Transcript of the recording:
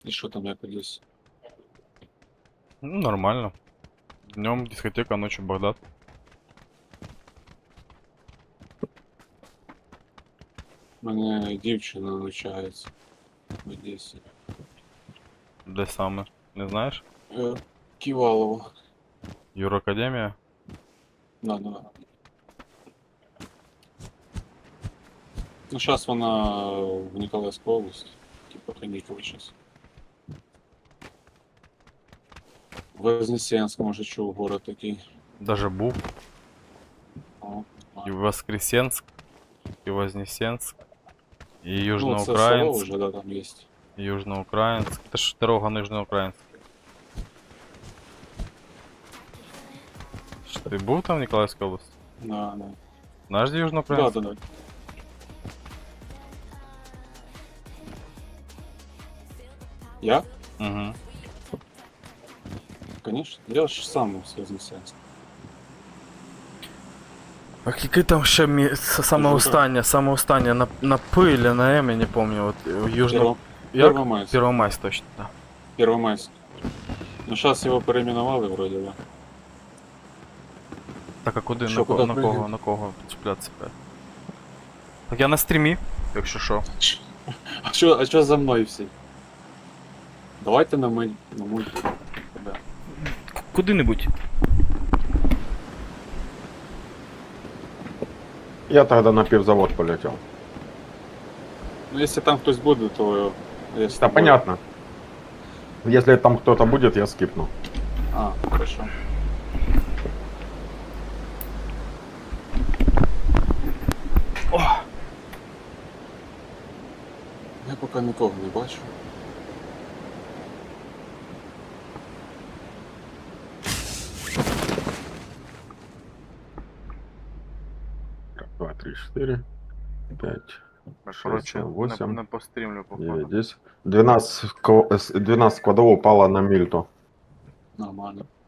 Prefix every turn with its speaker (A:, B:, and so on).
A: И что там я здесь?
B: Ну, нормально. Днем дискотека, ночью Багдад.
A: У мене дівчина навчається в Одесі.
B: Де саме? Не знаєш?
A: Ківалово.
B: Юракадемія?
A: Да. Ну, сейчас вона в Николаевской области. Типа каникулы сейчас. Вознесенск, може, чув, город такий.
B: Даже був.
A: О,
B: І Воскресенськ, і Вознесенськ, і
A: ну, це село
B: Южноукраїнськ,
A: вже, да, там є.
B: і Южноукраїнськ. Це ж дорога Нижньоукраїнськ. Ти був там в Ніколаївській області?
A: Да.
B: Знаєш, де Южноукраїнськ?
A: Да. Я?
B: Угу.
A: Конечно. Я ж сам з Вознесенска.
B: А який там ще саме останнє на П или на М, я не помню. От Южно...
A: Первомайськ.
B: Первомайськ, точно, да.
A: Первомайськ. Ну, зараз його перейменували вроде, да.
B: Так, а куди?
A: Що,
B: На
A: куди
B: на кого цеплятися? Так я на стрімі, якщо що.
A: А що за мною всі? Давайте на мой. Да.
B: Куди-небудь.
C: Я тогда на пивзавод полетел.
A: Ну, если там хтось буде, то я с
C: Да
A: тобой.
C: понятно. Если там кто-то будет, я скипну.
A: А, хорошо. Я поки нікого не бачу.
C: Так, 2, 3, 4, 5, 6, 7, 8,
B: не пострімлю,
C: 9, 10. 12 квадов упало на мильту.
A: Нормально.